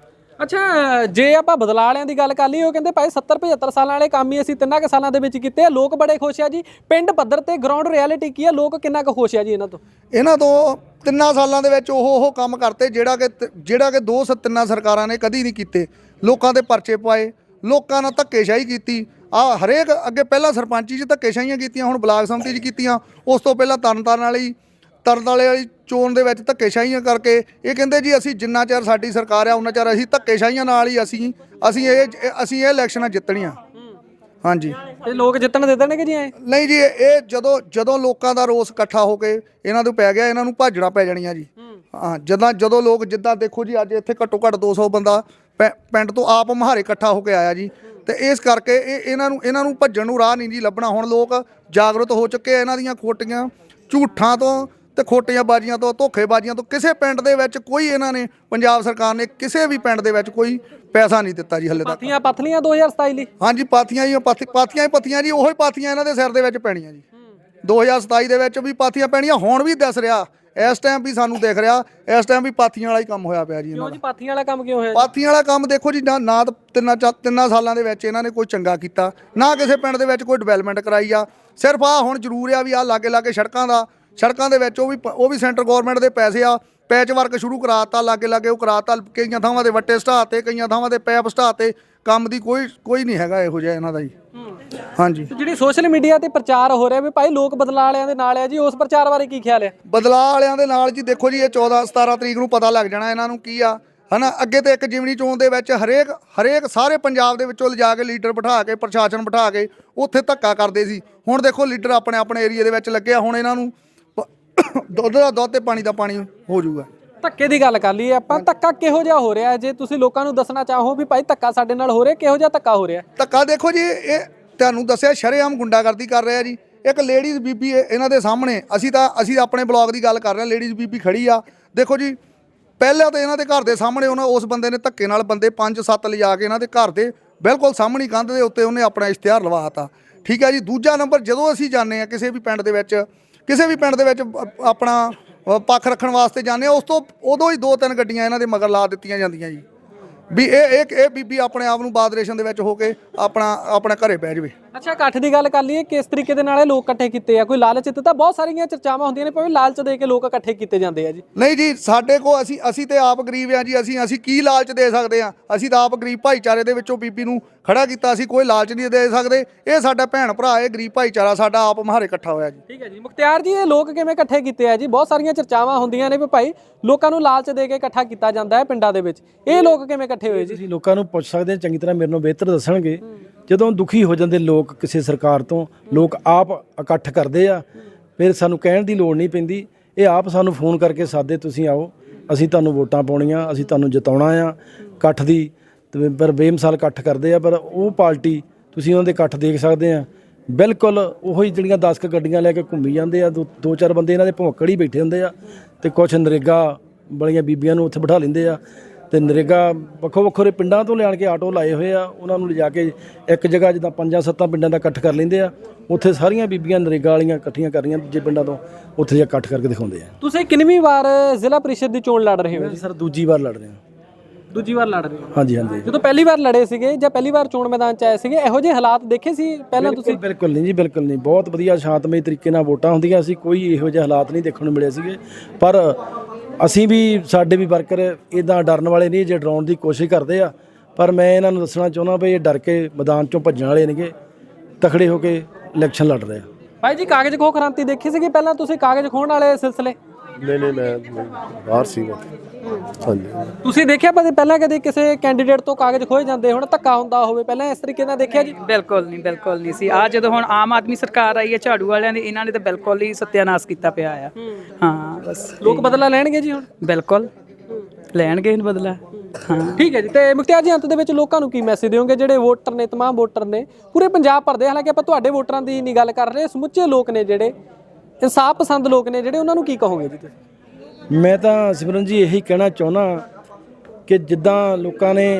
[SPEAKER 2] ਅੱਛਾ, ਜੇ ਆਪਾਂ ਬਦਲਾਅ ਵਾਲਿਆਂ ਦੀ ਗੱਲ ਕਰ ਲਈ, ਉਹ ਕਹਿੰਦੇ ਭਾਈ ਸੱਤਰ ਪਝੱਤਰ ਸਾਲਾਂ ਵਾਲੇ ਕੰਮ ਹੀ ਅਸੀਂ ਤਿੰਨਾਂ ਕੁ ਸਾਲਾਂ ਦੇ ਵਿੱਚ ਕੀਤੇ ਆ, ਲੋਕ ਬੜੇ ਖੁਸ਼ ਆ ਜੀ। ਪਿੰਡ ਪੱਧਰ ਤੇ ਗਰਾਊਂਡ ਰਿਐਲਿਟੀ ਕੀ ਆ, ਲੋਕ ਕਿੰਨਾ ਕੁ ਖੁਸ਼ ਆ ਜੀ ਇਹਨਾਂ ਤੋਂ?
[SPEAKER 1] ਇਹਨਾਂ ਤੋਂ ਤਿੰਨਾਂ ਸਾਲਾਂ ਦੇ ਵਿੱਚ ਉਹ ਉਹ ਕੰਮ ਕਰਤੇ ਜਿਹੜਾ ਕਿ ਜਿਹੜਾ ਕਿ ਦੋ ਸ ਤਿੰਨਾਂ ਸਰਕਾਰਾਂ ਨੇ ਕਦੀ ਨਹੀਂ ਕੀਤੇ। ਲੋਕਾਂ ਦੇ ਪਰਚੇ ਪਾਏ, ਲੋਕਾਂ ਨਾਲ ਧੱਕੇਸ਼ਾਹੀ ਕੀਤੀ। ਆ ਹਰੇਕ ਅੱਗੇ ਪਹਿਲਾਂ ਸਰਪੰਚੀ 'ਚ ਧੱਕੇਸ਼ਾਹੀਆਂ ਕੀਤੀਆਂ, ਹੁਣ ਬਲਾਕ ਸੰਮਤੀ 'ਚ ਕੀਤੀਆਂ, ਉਸ ਤੋਂ ਪਹਿਲਾਂ ਤਰਨਤਾਰਨ ਵਾਲੀ ਤਰਨ ਵਾਲੇ ਵਾਲੀ ਚੋਣ ਦੇ ਵਿੱਚ ਧੱਕੇਸ਼ਾਹੀਆਂ ਕਰਕੇ ਇਹ ਕਹਿੰਦੇ ਜੀ ਅਸੀਂ ਜਿੰਨਾ ਚਿਰ ਸਾਡੀ ਸਰਕਾਰ ਆ ਉਹਨਾਂ ਚਿਰ ਅਸੀਂ ਧੱਕੇਸ਼ਾਹੀਆਂ ਨਾਲ ਹੀ ਅਸੀਂ ਅਸੀਂ ਇਹ ਅਸੀਂ ਇਹ ਇਲੈਕਸ਼ਨਾਂ ਜਿੱਤਣੀਆਂ। ਹਾਂਜੀ,
[SPEAKER 2] ਤੇ ਲੋਕ ਜਿੱਤਣ ਦੇ ਦੇਣਗੇ ਜੀ ਐ?
[SPEAKER 1] ਨਹੀਂ ਜੀ, ਇਹ ਜਦੋਂ ਜਦੋਂ ਲੋਕਾਂ ਦਾ ਰੋਸ ਇਕੱਠਾ ਹੋ ਕੇ ਇਹਨਾਂ ਤੋਂ ਪੈ ਗਿਆ, ਇਹਨਾਂ ਨੂੰ ਭਾਜੜਾ ਪੈ ਜਾਣੀਆਂ ਜੀ। ਹਾਂ, ਜਦੋਂ ਜਦੋਂ ਲੋਕ ਜਿੱਦਾਂ ਦੇਖੋ ਜੀ, ਅੱਜ ਇੱਥੇ ਘੱਟੋ ਘੱਟ ਦੋ ਸੌ ਬੰਦਾ ਪੈ- ਪਿੰਡ ਤੋਂ ਆਪ ਮਹਾਰੇ ਇਕੱਠਾ ਹੋ ਕੇ ਆਇਆ ਜੀ, ਤੇ ਇਸ ਕਰਕੇ ਇਹ ਇਹਨਾਂ ਨੂੰ ਇਹਨਾਂ ਨੂੰ ਭੱਜਣ ਨੂੰ ਰਾਹ ਨਹੀਂ ਜੀ ਲੱਭਣਾ। ਹੁਣ ਲੋਕ ਜਾਗਰੂਕ ਹੋ ਚੁੱਕੇ ਆ ਇਹਨਾਂ ਦੀਆਂ ਖੋਟੀਆਂ ਝੂਠਾਂ ਤੋਂ ਤੇ ਖੋਟੀਆਂ ਬਾਜ਼ੀਆਂ ਤੋਂ, ਧੋਖੇਬਾਜ਼ੀਆਂ ਤੋਂ। ਕਿਸੇ ਪਿੰਡ ਦੇ ਵਿੱਚ ਕੋਈ ਇਹਨਾਂ ਨੇ, ਪੰਜਾਬ ਸਰਕਾਰ ਨੇ ਕਿਸੇ ਵੀ ਪਿੰਡ ਦੇ ਵਿੱਚ ਕੋਈ ਪੈਸਾ ਨਹੀਂ ਦਿੱਤਾ ਜੀ ਹਲੇ ਤੱਕ।
[SPEAKER 2] ਪਾਥੀਆਂ ਪਥਲੀਆਂ ਦੋ ਹਜ਼ਾਰ ਸਤਾਈ ਲਈ?
[SPEAKER 1] ਹਾਂਜੀ, ਪਾਥੀਆਂ ਹੀ ਪਾਥੀ ਪਾਥੀਆਂ ਹੀ ਪੱਥੀਆਂ ਜੀ, ਉਹੀ ਪਾਥੀਆਂ ਇਹਨਾਂ ਦੇ ਸਿਰ ਦੇ ਵਿੱਚ ਪੈਣੀਆਂ ਜੀ। ਦੋ ਹਜ਼ਾਰ ਸਤਾਈ ਦੇ ਵਿੱਚ ਵੀ ਪਾਥੀਆਂ ਪੈਣੀਆਂ, ਹੁਣ ਵੀ ਦਿਸ ਰਿਹਾ, ਇਸ ਟਾਈਮ ਵੀ ਸਾਨੂੰ ਦਿਖ ਰਿਹਾ, ਇਸ ਟਾਈਮ ਵੀ ਪਾਥੀਆਂ ਵਾਲਾ ਹੀ ਕੰਮ ਹੋਇਆ ਪਿਆ ਜੀ ਇਹਨਾਂ
[SPEAKER 2] ਕਿਉਂ
[SPEAKER 1] ਦਾ।
[SPEAKER 2] ਜੀ, ਪਾਥੀਆਂ ਵਾਲਾ ਕੰਮ ਕਿਉਂ ਹੋਇਆ?
[SPEAKER 1] ਪਾਥੀਆਂ ਵਾਲਾ ਕੰਮ ਦੇਖੋ ਜੀ, ਨਾ ਨਾ ਤਾਂ ਤਿੰਨਾਂ ਚਾ ਤਿੰਨਾਂ ਸਾਲਾਂ ਦੇ ਵਿੱਚ ਇਹਨਾਂ ਨੇ ਕੋਈ ਚੰਗਾ ਕੀਤਾ, ਨਾ ਕਿਸੇ ਪਿੰਡ ਦੇ ਵਿੱਚ ਕੋਈ ਡਿਵੈਲਪਮੈਂਟ ਕਰਾਈ ਆ। ਸਿਰਫ ਆ ਹੁਣ ਜ਼ਰੂਰ ਆ ਵੀ ਆ ਲਾਗੇ ਲਾਗੇ ਸੜਕਾਂ ਦਾ ਸੜਕਾਂ ਦੇ ਵਿੱਚ ਉਹ ਵੀ ਉਹ ਵੀ ਸੈਂਟਰ ਗਵਰਨਮੈਂਟ ਦੇ ਪੈਸੇ ਆ, ਪੈਚ ਵਰਕ ਸ਼ੁਰੂ ਕਰਾਤਾ, ਲਾਗੇ ਲਾਗੇ ਉਹ ਕਰਾਤਾ, ਕਈਆਂ ਥਾਵਾਂ ਦੇ ਵੱਟੇ ਸਟਾਤੇ, ਕਈਆਂ ਥਾਵਾਂ ਦੇ ਪੈਪ ਸਟਾਤੇ। ਕੰਮ ਦੀ ਕੋਈ ਕੋਈ ਨਹੀਂ ਹੈਗਾ ਇਹੋ ਜਿਹਾ ਇਹਨਾਂ ਦਾ ਜੀ। ਹਾਂਜੀ,
[SPEAKER 2] ਜਿਹੜੀ ਸੋਸ਼ਲ ਮੀਡੀਆ ਤੇ ਪ੍ਰਚਾਰ ਹੋ ਰਿਹਾ ਵੀ ਭਾਈ ਲੋਕ ਬਦਲਾਅ ਵਾਲਿਆਂ ਦੇ ਨਾਲ ਆ ਜੀ, ਉਸ ਪ੍ਰਚਾਰ ਬਾਰੇ ਕੀ ਖਿਆਲ ਹੈ?
[SPEAKER 1] ਬਦਲਾਅ ਵਾਲਿਆਂ ਦੇ ਨਾਲ ਜੀ ਦੇਖੋ ਜੀ, ਇਹ ਚੌਦਾਂ ਸਤਾਰਾਂ ਤਰੀਕ ਨੂੰ ਪਤਾ ਲੱਗ ਜਾਣਾ ਇਹਨਾਂ ਨੂੰ ਕੀ ਆ, ਹਨਾ। ਅੱਗੇ ਤੇ ਇੱਕ ਜਿਮਨੀ ਚੋਣ ਦੇ ਵਿੱਚ ਹਰੇਕ ਹਰੇਕ ਸਾਰੇ ਪੰਜਾਬ ਦੇ ਵਿੱਚੋਂ ਲਿਜਾ ਕੇ ਲੀਡਰ ਬਿਠਾ ਕੇ, ਪ੍ਰਸ਼ਾਸਨ ਬਿਠਾ ਕੇ ਉੱਥੇ ਧੱਕਾ ਕਰਦੇ ਸੀ। ਹੁਣ ਦੇਖੋ ਲੀਡਰ ਆਪਣੇ ਆਪਣੇ ਏਰੀਆ ਦੇ ਵਿੱਚ ਲੱਗੇ ਆ, ਹੁਣ ਇਹਨਾਂ ਨੂੰ ਦੁੱਧ ਦਾ ਦੁੱਧ ਤੇ ਪਾਣੀ ਦਾ ਪਾਣੀ ਹੋ ਜਾਊਗਾ।
[SPEAKER 2] ਧੱਕੇ ਦੀ ਗੱਲ ਕਰ ਲਈਏ ਆਪਾਂ, ਧੱਕਾ ਕਿਹੋ ਜਿਹਾ ਹੋ ਰਿਹਾ? ਜੇ ਤੁਸੀਂ ਲੋਕਾਂ ਨੂੰ ਦੱਸਣਾ ਚਾਹੋ ਵੀ ਭਾਈ ਧੱਕਾ ਸਾਡੇ ਨਾਲ ਹੋ ਰਿਹਾ, ਕਿਹੋ ਜਿਹਾ ਧੱਕਾ ਹੋ ਰਿਹਾ?
[SPEAKER 1] ਧੱਕਾ ਦੇਖੋ ਜੀ, ਇਹ ਤੁਹਾਨੂੰ ਦੱਸਿਆ ਸ਼ਰੇਆਮ ਗੁੰਡਾਗਰਦੀ ਕਰ ਰਿਹਾ ਜੀ। ਇੱਕ ਲੇਡੀਜ਼ ਬੀਬੀ ਇਹਨਾਂ ਦੇ ਸਾਹਮਣੇ, ਅਸੀਂ ਤਾਂ ਅਸੀਂ ਆਪਣੇ ਬਲੌਗ ਦੀ ਗੱਲ ਕਰ ਰਹੇ ਹਾਂ, ਲੇਡੀਜ਼ ਬੀਬੀ ਖੜੀ ਆ, ਦੇਖੋ ਜੀ। ਪਹਿਲਾਂ ਤਾਂ ਇਹਨਾਂ ਦੇ ਘਰ ਦੇ ਸਾਹਮਣੇ ਉਹਨਾਂ ਉਸ ਬੰਦੇ ਨੇ ਧੱਕੇ ਨਾਲ ਬੰਦੇ ਪੰਜ ਸੱਤ ਲਿਜਾ ਕੇ ਇਹਨਾਂ ਦੇ ਘਰ ਦੇ ਬਿਲਕੁਲ ਸਾਹਮਣੇ ਕੰਧ ਦੇ ਉੱਤੇ ਉਹਨੇ ਆਪਣਾ ਇਸ਼ਤਿਹਾਰ ਲਵਾਤਾ। ਠੀਕ ਹੈ ਜੀ। ਦੂਜਾ ਨੰਬਰ, ਜਦੋਂ ਅਸੀਂ ਜਾਂਦੇ ਹਾਂ ਕਿਸੇ ਵੀ ਪਿੰਡ ਦੇ ਵਿੱਚ, ਕਿਸੇ ਵੀ ਪਿੰਡ ਦੇ ਵਿੱਚ ਆਪਣਾ ਪੱਖ ਰੱਖਣ ਵਾਸਤੇ ਜਾਂਦੇ ਹਾਂ, ਉਸ ਤੋਂ ਉਦੋਂ ਹੀ ਦੋ ਤਿੰਨ ਗੱਡੀਆਂ ਇਹਨਾਂ ਦੇ ਮਗਰ ਲਾ ਦਿੱਤੀਆਂ ਜਾਂਦੀਆਂ ਜੀ ਵੀ ਇਹ ਇਹ ਇਹ ਬੀਬੀ ਆਪਣੇ ਆਪ ਨੂੰ ਬਾਦਰੇਸ਼ਨ ਦੇ ਵਿੱਚ ਹੋ ਕੇ ਆਪਣਾ ਆਪਣੇ ਘਰੇ ਬਹਿ ਜਾਵੇ।
[SPEAKER 2] ਅੱਛਾ, ਇਕੱਠ ਦੀ ਗੱਲ ਕਰ ਲਈਏ, ਕਿਸ ਤਰੀਕੇ ਦੇ ਨਾਲ ਇਹ ਲੋਕ ਇਕੱਠੇ ਕੀਤੇ ਆ? ਕੋਈ ਲਾਲਚ ਦਿੱਤਾ? ਬਹੁਤ ਸਾਰੀਆਂ ਚਰਚਾਵਾਂ ਹੁੰਦੀਆਂ ਨੇ, ਭਾਵੇਂ ਲਾਲਚ ਦੇ ਕੇ ਲੋਕ ਇਕੱਠੇ ਕੀਤੇ ਜਾਂਦੇ ਆ ਜੀ।
[SPEAKER 1] ਨਹੀਂ ਜੀ, ਸਾਡੇ ਕੋ ਅਸੀਂ ਅਸੀਂ ਤੇ ਆਪ ਗਰੀਬ ਆ ਜੀ। ਅਸੀਂ ਅਸੀਂ ਕੀ ਲਾਲਚ ਦੇ ਸਕਦੇ ਆ? ਅਸੀਂ ਤਾਂ ਆਪ ਗਰੀਬ ਭਾਈਚਾਰੇ ਦੇ ਵਿੱਚੋਂ ਬੀਬੀ ਨੂੰ ਖੜਾ ਕੀਤਾ। ਅਸੀਂ ਕੋਈ ਲਾਲਚ ਨਹੀਂ ਦੇ ਸਕਦੇ। ਇਹ ਸਾਡਾ ਭੈਣ ਭਰਾ, ਇਹ ਗਰੀਬ ਭਾਈਚਾਰਾ ਸਾਡਾ ਆਪ ਮਹਾਰੇ ਇਕੱਠਾ ਹੋਇਆ ਜੀ।
[SPEAKER 2] ਠੀਕ ਹੈ ਜੀ। ਮੁਖਤਿਆਰ ਜੀ, ਇਹ ਲੋਕ ਕਿਵੇਂ ਇਕੱਠੇ ਕੀਤੇ ਆ ਜੀ? ਬਹੁਤ ਸਾਰੀਆਂ ਚਰਚਾਵਾਂ ਹੁੰਦੀਆਂ ਨੇ ਵੀ ਭਾਈ ਲੋਕਾਂ ਨੂੰ ਲਾਲਚ ਦੇ ਕੇ ਇਕੱਠਾ ਕੀਤਾ ਜਾਂਦਾ ਹੈ ਪਿੰਡਾਂ ਦੇ ਵਿੱਚ। ਇਹ ਲੋਕ ਕਿਵੇਂ ਇਕੱਠੇ ਹੋਏ ਜੀ?
[SPEAKER 3] ਤੁਸੀਂ ਲੋਕਾਂ ਨੂੰ ਪੁੱਛ ਸਕਦੇ ਆ, ਚੰਗੀ ਤਰ੍ਹਾਂ ਮੇਰੇ ਨੂੰ ਬਿਹਤਰ ਦੱਸਣਗੇ। ਜਦੋਂ ਦੁਖੀ ਹੋ ਜਾਂਦੇ ਲੋਕ ਕਿਸੇ ਸਰਕਾਰ ਤੋਂ, ਲੋਕ ਆਪ ਇਕੱਠ ਕਰਦੇ ਆ, ਫਿਰ ਸਾਨੂੰ ਕਹਿਣ ਦੀ ਲੋੜ ਨਹੀਂ ਪੈਂਦੀ। ਇਹ ਆਪ ਸਾਨੂੰ ਫੋਨ ਕਰਕੇ ਸਾਦੇ, ਤੁਸੀਂ ਆਓ, ਅਸੀਂ ਤੁਹਾਨੂੰ ਵੋਟਾਂ ਪਾਉਣੀਆਂ, ਅਸੀਂ ਤੁਹਾਨੂੰ ਜਿਤਾਉਣਾ ਆ। ਇਕੱਠ ਦੀ ਤੇ ਪਰ ਬੇਮਿਸਾਲ ਇਕੱਠ ਕਰਦੇ ਆ। ਪਰ ਉਹ ਪਾਰਟੀ ਤੁਸੀਂ ਉਹਨਾਂ ਦੇ ਇਕੱਠ ਦੇਖ ਸਕਦੇ ਆ, ਬਿਲਕੁਲ ਉਹੀ ਜਿਹੜੀਆਂ ਦਸ ਕੁ ਗੱਡੀਆਂ ਲੈ ਕੇ ਘੁੰਮੀ ਜਾਂਦੇ ਆ। ਦੋ ਦੋ ਚਾਰ ਬੰਦੇ ਇਹਨਾਂ ਦੇ ਭੌਂਕੜ ਹੀ ਬੈਠੇ ਹੁੰਦੇ ਆ, ਤੇ ਕੁਛ ਨਰੇਗਾ ਵਾਲੀਆਂ ਬੀਬੀਆਂ ਨੂੰ ਉੱਥੇ ਬਿਠਾ ਲੈਂਦੇ ਆ, ਤੇ ਨਰੇਗਾ ਵੱਖੋ ਵੱਖਰੇ ਪਿੰਡਾਂ ਤੋਂ ਲਿਆਣ ਕੇ ਆਟੋ ਲਾਏ ਹੋਏ ਆ, ਉਹਨਾਂ ਨੂੰ ਲਿਜਾ ਕੇ ਇੱਕ ਜਗ੍ਹਾ ਜਿੱਦਾਂ ਪੰਜਾਂ ਸੱਤਾਂ ਪਿੰਡਾਂ ਦਾ ਇਕੱਠ ਕਰ ਲੈਂਦੇ ਆ। ਉੱਥੇ ਸਾਰੀਆਂ ਬੀਬੀਆਂ ਨਰੇਗਾ ਵਾਲੀਆਂ ਇਕੱਠੀਆਂ ਕਰ ਰਹੀਆਂ ਦੂਜੇ ਪਿੰਡਾਂ ਤੋਂ, ਉੱਥੇ ਜਾ ਇਕੱਠ ਕਰਕੇ ਦਿਖਾਉਂਦੇ ਆ।
[SPEAKER 2] ਤੁਸੀਂ ਕਿੰਨਵੀਂ ਵਾਰ ਜ਼ਿਲ੍ਹਾ ਪ੍ਰੀਸ਼ਦ ਦੀ ਚੋਣ ਲੜ ਰਹੇ ਹੋ ਜੀ?
[SPEAKER 3] ਸਰ ਦੂਜੀ ਵਾਰ ਲੜ ਰਹੇ ਹਾਂ।
[SPEAKER 2] ਦੂਜੀ ਵਾਰ ਲੜ ਰਹੇ ਹੋ?
[SPEAKER 3] ਹਾਂਜੀ ਹਾਂਜੀ।
[SPEAKER 2] ਜਦੋਂ ਪਹਿਲੀ ਵਾਰ ਲੜੇ ਸੀਗੇ ਜਾਂ ਪਹਿਲੀ ਵਾਰ ਚੋਣ ਮੈਦਾਨ 'ਚ ਆਏ ਸੀਗੇ, ਇਹੋ ਜਿਹੇ ਹਾਲਾਤ ਦੇਖੇ ਸੀ ਪਹਿਲਾਂ ਤੁਸੀਂ?
[SPEAKER 3] ਬਿਲਕੁਲ ਨਹੀਂ ਜੀ, ਬਿਲਕੁਲ ਨਹੀਂ। ਬਹੁਤ ਵਧੀਆ ਸ਼ਾਂਤਮਈ ਤਰੀਕੇ ਨਾਲ ਵੋਟਾਂ ਹੁੰਦੀਆਂ ਸੀ, ਕੋਈ ਇਹੋ ਜਿਹੇ ਹਾਲਾਤ ਨਹੀਂ ਦੇਖਣ ਨੂੰ ਮਿਲੇ ਸੀਗੇ। ਪਰ ਅਸੀਂ ਵੀ, ਸਾਡੇ ਵੀ ਵਰਕਰ ਇੱਦਾਂ ਡਰਨ ਵਾਲੇ ਨਹੀਂ, ਜੇ ਡਰਾਉਣ ਦੀ ਕੋਸ਼ਿਸ਼ ਕਰਦੇ ਆ। ਪਰ ਮੈਂ ਇਹਨਾਂ ਨੂੰ ਦੱਸਣਾ ਚਾਹੁੰਦਾ ਵੀ ਇਹ ਡਰ ਕੇ ਮੈਦਾਨ 'ਚੋਂ ਭੱਜਣ ਵਾਲੇ ਨੇਗੇ, ਤਕੜੇ ਹੋ ਕੇ ਇਲੈਕਸ਼ਨ ਲੜ ਰਹੇ ਆ।
[SPEAKER 2] ਭਾਈ ਜੀ, ਕਾਗਜ਼ ਖੋਹ ਕ੍ਰਾਂਤੀ ਦੇਖੀ ਸੀਗੀ ਪਹਿਲਾਂ ਤੁਸੀਂ? ਕਾਗਜ਼ ਖੋਹਣ ਵਾਲੇ ਸਿਲਸਿਲੇ?
[SPEAKER 7] ਨਹੀਂ ਨਹੀਂ, ਮੈਂ ਬਾਹਰ ਸੀ। ਹਾਂਜੀ,
[SPEAKER 2] ਤੁਸੀਂ ਦੇਖਿਆ ਕਦੇ ਪਹਿਲਾਂ ਕਦੇ ਕਿਸੇ ਕੈਂਡੀਡੇਟ ਤੋਂ ਕਾਗਜ਼ ਖੋਏ ਜਾਂਦੇ ਹੋਣ, ਧੱਕਾ ਹੁੰਦਾ ਹੋਵੇ ਪਹਿਲਾਂ ਇਸ ਤਰੀਕੇ ਨਾਲ ਦੇਖਿਆ ਜੀ?
[SPEAKER 4] ਬਿਲਕੁਲ ਨਹੀਂ, ਬਿਲਕੁਲ ਨਹੀਂ ਸੀ। ਆ ਜਦੋਂ ਹੁਣ ਆਮ ਆਦਮੀ ਸਰਕਾਰ ਆਈ ਹੈ ਝਾੜੂ ਵਾਲਿਆਂ ਦੀ, ਇਹਨਾਂ ਨੇ ਤਾਂ ਬਿਲਕੁਲ ਹੀ ਸੱਤਿਆਨਾਸ਼ ਕੀਤਾ ਪਿਆ ਆ। ਹਾਂ ਬਸ।
[SPEAKER 2] ਲੋਕ ਬਦਲਾ ਲੈਣਗੇ ਜੀ ਹੁਣ?
[SPEAKER 4] ਬਿਲਕੁਲ ਲੈਣਗੇ ਇਹਨੂੰ ਬਦਲਾ। ਹਾਂ
[SPEAKER 2] ਠੀਕ ਹੈ ਜੀ। ਤੇ ਮੁਖਤਿਆਰ ਜੀ, ਅੰਤ ਦੇ ਵਿੱਚ ਲੋਕਾਂ ਨੂੰ ਕੀ ਮੈਸੇਜ ਦਿਓਗੇ ਜਿਹੜੇ ਵੋਟਰ ਨੇ, ਤਮਾਮ ਵੋਟਰ ਨੇ ਪੂਰੇ ਪੰਜਾਬ ਭਰ ਦੇ? ਹਾਲਾਂਕਿ ਆਪਾਂ ਤੁਹਾਡੇ ਵੋਟਰਾਂ ਦੀ ਨਹੀਂ ਗੱਲ ਕਰ ਰਹੇ, ਸਮੁੱਚੇ ਲੋਕ ਨੇ ਜਿਹੜੇ ਇਨਸਾਫ ਪਸੰਦ ਲੋਕ ਨੇ ਜਿਹੜੇ, ਉਹਨਾਂ ਨੂੰ ਕੀ ਕਹੋਗੇ ਜੀ ਤੁਸੀਂ?
[SPEAKER 3] ਮੈਂ ਤਾਂ ਸਿਮਰਨ ਜੀ ਇਹੀ ਕਹਿਣਾ ਚਾਹੁੰਦਾ ਕਿ ਜਿੱਦਾਂ ਲੋਕਾਂ ਨੇ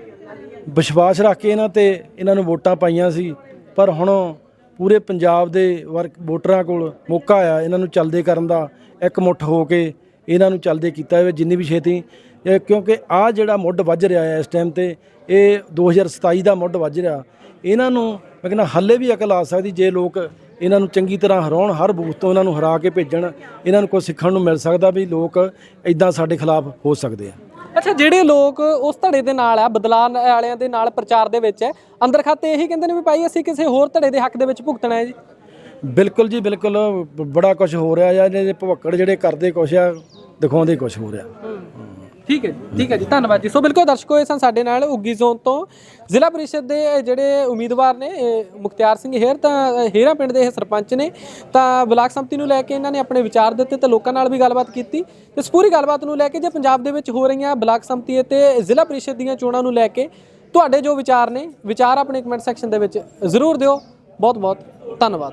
[SPEAKER 3] ਵਿਸ਼ਵਾਸ ਰੱਖ ਕੇ ਇਹਨਾਂ ਤੇ ਇਹਨਾਂ ਨੂੰ ਵੋਟਾਂ ਪਾਈਆਂ ਸੀ, ਪਰ ਹੁਣ ਪੂਰੇ ਪੰਜਾਬ ਦੇ ਵਰਕ ਵੋਟਰਾਂ ਕੋਲ ਮੌਕਾ ਆ ਇਹਨਾਂ ਨੂੰ ਚੱਲਦੇ ਕਰਨ ਦਾ। ਇੱਕ ਮੁੱਠ ਹੋ ਕੇ ਇਹਨਾਂ ਨੂੰ ਚੱਲਦੇ ਕੀਤਾ ਜਾਵੇ ਜਿੰਨੀ ਵੀ ਛੇਤੀ, ਕਿਉਂਕਿ ਆਹ ਜਿਹੜਾ ਮੁੱਢ ਵੱਜ ਰਿਹਾ ਹੈ ਇਸ ਟਾਈਮ ਤੇ, ਇਹ ਦੋ ਹਜ਼ਾਰ ਸਤਾਈ ਦਾ ਮੁੱਢ ਵੱਜ ਰਿਹਾ। ਇਹਨਾਂ ਨੂੰ ਮੈਂ ਕਹਿੰਦਾ ਹਾਲੇ ਵੀ ਅਕਲ ਆ ਸਕਦੀ ਜੇ ਲੋਕ ਇਹਨਾਂ ਨੂੰ ਚੰਗੀ ਤਰ੍ਹਾਂ ਹਰਾਉਣ, ਹਰ ਬੂਥ ਤੋਂ ਇਹਨਾਂ ਨੂੰ ਹਰਾ ਕੇ ਭੇਜਣ। ਇਹਨਾਂ ਨੂੰ ਕੁਝ ਸਿੱਖਣ ਨੂੰ ਮਿਲ ਸਕਦਾ ਵੀ ਲੋਕ ਇਦਾਂ ਸਾਡੇ ਖਿਲਾਫ ਹੋ ਸਕਦੇ ਆ।
[SPEAKER 2] ਅੱਛਾ, ਜਿਹੜੇ ਲੋਕ ਉਸ ਧੜੇ ਦੇ ਨਾਲ ਆ, ਬਦਲਾਅ ਵਾਲਿਆਂ ਦੇ ਨਾਲ ਪ੍ਰਚਾਰ ਦੇ ਵਿੱਚ ਹੈ, ਅੰਦਰ ਖਾਤੇ ਇਹੀ ਕਹਿੰਦੇ ਨੇ ਵੀ ਭਾਈ ਅਸੀਂ ਕਿਸੇ ਹੋਰ ਧੜੇ ਦੇ ਹੱਕ ਦੇ ਵਿੱਚ ਭੁਗਤਣਾ ਹੈ ਜੀ?
[SPEAKER 3] ਬਿਲਕੁਲ ਜੀ, ਬਿਲਕੁਲ। ਬੜਾ ਕੁਝ ਹੋ ਰਿਹਾ ਜਾਂ ਇਹਦੇ ਭਵੱਕੜ ਜਿਹੜੇ ਕਰਦੇ ਕੁਛ ਆ, ਦਿਖਾਉਂਦੇ ਕੁਛ ਹੋ ਰਿਹਾ।
[SPEAKER 2] ਠੀਕ ਹੈ ਜੀ, ਠੀਕ ਹੈ ਜੀ, ਧੰਨਵਾਦ ਜੀ। ਸੋ ਬਿਲਕੁਲ ਦਰਸ਼ਕੋ, ਇਹ ਸਨ ਸਾਡੇ ਨਾਲ ਉੱਗੀ ਜ਼ੋਨ ਤੋਂ ਜ਼ਿਲ੍ਹਾ ਪ੍ਰੀਸ਼ਦ ਦੇ ਜਿਹੜੇ ਉਮੀਦਵਾਰ ਨੇ, ਮੁਖਤਿਆਰ ਸਿੰਘ ਹੇਰ, ਤਾਂ ਹੇਰਾ ਪਿੰਡ ਦੇ ਇਹ ਸਰਪੰਚ ਨੇ। ਤਾਂ ਬਲਾਕ ਸੰਮਤੀ ਨੂੰ ਲੈ ਕੇ ਇਹਨਾਂ ਨੇ ਆਪਣੇ ਵਿਚਾਰ ਦਿੱਤੇ ਤੇ ਲੋਕਾਂ ਨਾਲ ਵੀ ਗੱਲਬਾਤ ਕੀਤੀ। ਤੇ ਇਸ ਪੂਰੀ ਗੱਲਬਾਤ ਨੂੰ ਲੈ ਕੇ, ਜੇ ਪੰਜਾਬ ਦੇ ਵਿੱਚ ਹੋ ਰਹੀਆਂ ਬਲਾਕ ਸੰਮਤੀ ਅਤੇ ਜ਼ਿਲ੍ਹਾ ਪ੍ਰੀਸ਼ਦ ਦੀਆਂ ਚੋਣਾਂ ਨੂੰ ਲੈ ਕੇ ਤੁਹਾਡੇ ਜੋ ਵਿਚਾਰ ਨੇ, ਵਿਚਾਰ ਆਪਣੇ ਕਮੈਂਟ ਸੈਕਸ਼ਨ ਦੇ ਵਿੱਚ ਜ਼ਰੂਰ ਦਿਓ। ਬਹੁਤ ਬਹੁਤ ਧੰਨਵਾਦ।